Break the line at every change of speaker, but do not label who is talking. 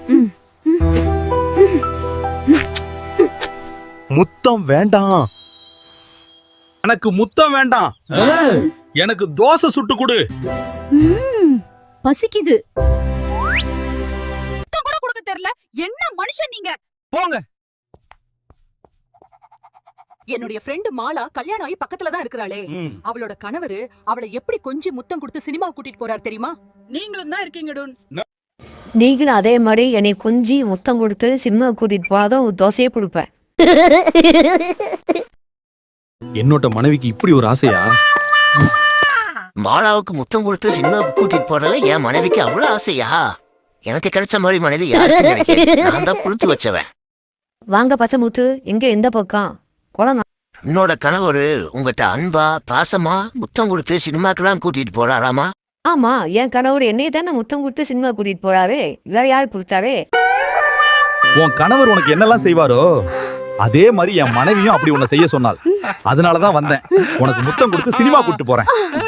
முத்தம் வேண்டாம், எனக்கு முத்தம் வேண்டாம், எனக்கு தோசை சுட்டு கொடு.
பசிக்குது. முத்தம் கூட கொடுக்க தெரியல. என்ன மனுஷன் நீங்க?
போங்க.
என்னுடைய ஃப்ரெண்ட் மாலா கல்யாணம் ஆகி பக்கத்துல தான் இருக்கிறாளே. அவளோட கணவரு அவளை எப்படி கொஞ்சம் முத்தம் கொடுத்து சினிமா கூட்டிட்டு போறாரு தெரியுமா? நீங்களும் தான் இருக்கீங்க டூன்.
நீங்களும் அதே மாதிரி என்னை கொஞ்சி முத்தம் கொடுத்து சினிமா கூட்டிட்டு போனாதான் தோசையே கொடுப்பேன்.
என்னோட மனைவிக்கு இப்படி ஒரு ஆசையா?
மாலாவுக்கு முத்தம் கொடுத்து சினிமாவுக்கு கூட்டிட்டு போறதுல என் மனைவிக்கு அவ்வளவு ஆசையா? எனக்கு கிடைச்ச மாதிரி மனைவி யாருக்கு கிடைக்கும்? நான் தான் கொடுத்து வச்சவன்.
வாங்க பச்சை முத்து, எங்க எந்த பக்கம் குளம்?
என்னோட கணவர் உங்ககிட்ட அன்பா பாசமா முத்தம் கொடுத்து சினிமாக்கெல்லாம் கூட்டிட்டு போறாராமா?
ஆமா, என் கணவர் என்னைய தானே முத்தம் கொடுத்து சினிமா கூட்டிட்டு போறாரு. வேற யாரு கொடுத்தாரு?
உன் கணவர் உனக்கு என்னெல்லாம் செய்வாரோ அதே மாதிரி என் மனைவியும் அப்படி உன்னை செய்ய சொன்னாள். அதனாலதான் வந்தேன், உனக்கு முத்தம் கொடுத்து சினிமா கூட்டிட்டு போறேன்.